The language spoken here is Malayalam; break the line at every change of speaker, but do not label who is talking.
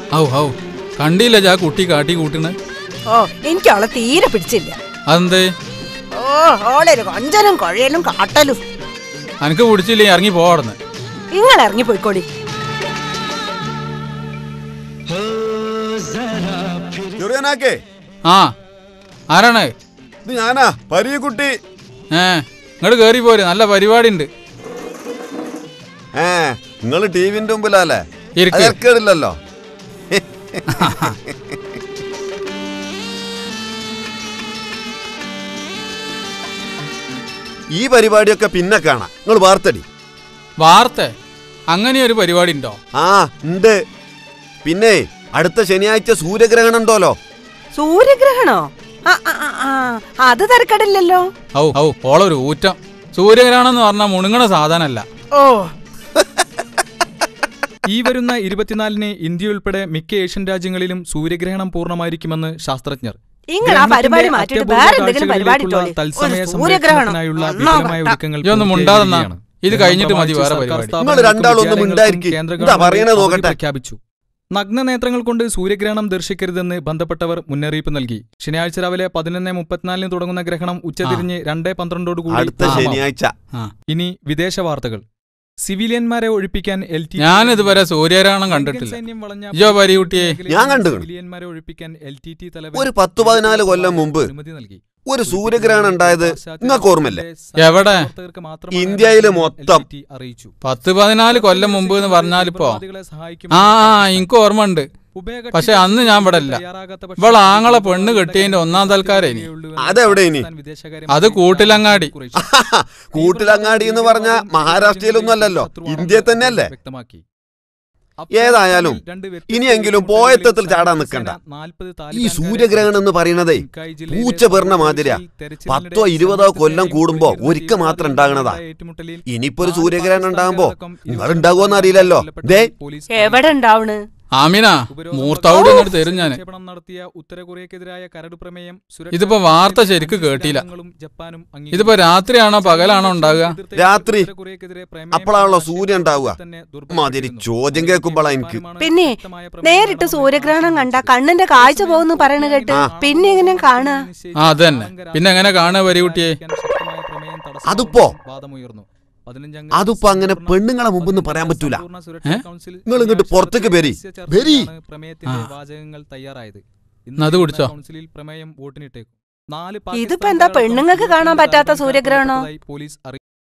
ഔ ഔ കണ്ടില്ല ജാ കുട്ടി കാട്ടി കൂട്ടണ്.
ഓ എനിക്ക് അവളെ തീരെ പിടിച്ചില്ല.
അതെന്തേ?
ഓ ഓളൊരു കൊഞ്ചലും കൊഴയലും കാട്ടലും.
അനക്ക് പിടിച്ചില്ലേ ഇറങ്ങി പോവാടുന്ന്.
നിങ്ങൾ ഇറങ്ങി പോയിക്കോടി.
ആ ആരാണ്?
ഇത് ഞാനാ പരീക്കുട്ടി.
ഇങ്ങോട്ട് കേറി പോര്, നല്ല പരിപാടി ഉണ്ട്.
നിങ്ങള് ടിവിന്റെ മുമ്പിലല്ലേ? കേടില്ലല്ലോ. ഈ പരിപാടിയൊക്കെ പിന്നെ കാണാം. നിങ്ങൾ വാർത്തടി.
വാർത്ത? അങ്ങനെ ഒരു പരിപാടി ഉണ്ടോ?
ആ ഉണ്ട്. പിന്നെ അടുത്ത ശനിയാഴ്ച സൂര്യഗ്രഹണം ഉണ്ടോലോ.
സൂര്യഗ്രഹണോ? അത് തരക്കടില്ലല്ലോ.
ഔ ഔ ഓളൊരു ഊറ്റം. സൂര്യഗ്രഹണം എന്ന് പറഞ്ഞാൽ മുണുങ്ങണ സാധനല്ല.
ഓ
ഈ വരുന്ന 24-ന് ഇന്ത്യ ഉൾപ്പെടെ മിക്ക ഏഷ്യൻ രാജ്യങ്ങളിലും സൂര്യഗ്രഹണം പൂർണ്ണമായിരിക്കുമെന്ന് ശാസ്ത്രജ്ഞർ. തത്സമയത്തിനായുള്ള വിപുലമായ ഒരുക്കങ്ങൾ
ഇത് കഴിഞ്ഞിട്ട് മതി വേറെ
പ്രഖ്യാപിച്ചു. നഗ്നനേത്രങ്ങൾ കൊണ്ട് സൂര്യഗ്രഹണം ദർശിക്കരുതെന്ന് ബന്ധപ്പെട്ടവർ മുന്നറിയിപ്പ് നൽകി. ശനിയാഴ്ച രാവിലെ 11:34 തുടങ്ങുന്ന ഗ്രഹണം ഉച്ചതിരിഞ്ഞ് 2:12 കൂടി. ഇനി വിദേശ വാർത്തകൾ. സിവിലിയന്മാരെ ഒഴിപ്പിക്കാൻ
ഞാനിതുവരെ സൂര്യഗ്രഹണം കണ്ടിട്ടില്ല.
ഒരു 10-14 കൊല്ലം മുമ്പ് ഒരു സൂര്യഗ്രഹണം ഉണ്ടായത് നിങ്ങൾക്ക് ഓർമ്മല്ലേ?
എവിടെ?
ഇന്ത്യയില് മൊത്തം.
10-14 കൊല്ലം മുമ്പ് എന്ന് പറഞ്ഞാലിപ്പോ എനിക്ക് ഓർമ്മ ഉണ്ട്. പക്ഷെ അന്ന് ഞാൻ ഇവിടെ അല്ല. ഇവളെ ആങ്ങളെ പെണ്ണ് കെട്ടിയതിന്റെ 1-ാം തൽക്കാരേ.
അതെവിടെ? ഇനി
അത് കൂട്ടിലങ്ങാടി.
കൂട്ടിലങ്ങാടി എന്ന് പറഞ്ഞ മഹാരാഷ്ട്രയിലൊന്നും അല്ലല്ലോ, ഇന്ത്യയിൽ തന്നെ അല്ലേ? ഏതായാലും ഇനിയെങ്കിലും പോയത്തത്തിൽ ചാടാൻ നിൽക്കണ്ട. ഈ സൂര്യഗ്രഹണം എന്ന് പറയുന്നതേ പൂച്ച പെറുന്ന മാതിരിയാ. 10-20 കൊല്ലം കൂടുമ്പോ ഒരിക്കൽ മാത്രം ഉണ്ടാകണതാ. ഇനിയിപ്പോ ഒരു സൂര്യഗ്രഹണം ഉണ്ടാകുമ്പോ നിങ്ങൾ ഉണ്ടാകുമോന്ന് അറിയില്ലല്ലോ.
എവിടെ ഉണ്ടാവണ്?
ആമിന മൂർത്താവോട് ഇങ്ങോട്ട് തരും ഞാൻ. ഇതിപ്പോ വാർത്ത ശരിക്ക് കേട്ടില്ല. ഇതിപ്പോ രാത്രിയാണോ പകലാണോ ഉണ്ടാകുക?
രാത്രി. അപ്പോഴാണല്ലോ സൂര്യൻ ഉണ്ടാവുക. മാതിരി ചോദ്യം കേൾക്കുമ്പോഴാ എനിക്ക്.
പിന്നെ നേരിട്ട് സൂര്യഗ്രഹണം കണ്ട കണ്ണിന്റെ കാഴ്ച പോകുന്നു പറയണ കേട്ട് പിന്നെ എങ്ങനെ കാണുക?
അതന്നെ, പിന്നെ എങ്ങനെ കാണുക വരികുട്ടിയെ?
അതിപ്പോ അങ്ങനെ പെണ്ണുങ്ങളെ മുമ്പെന്ന് പറയാൻ പറ്റൂല. നിങ്ങൾ ഇങ്ങോട്ട് പുറത്തേക്ക് വരി.
അത് കുടിച്ചോ?
ഇതിപ്പോ എന്താ പെണ്ണുങ്ങൾക്ക് കാണാൻ പറ്റാത്ത സൂര്യഗ്രഹണോ?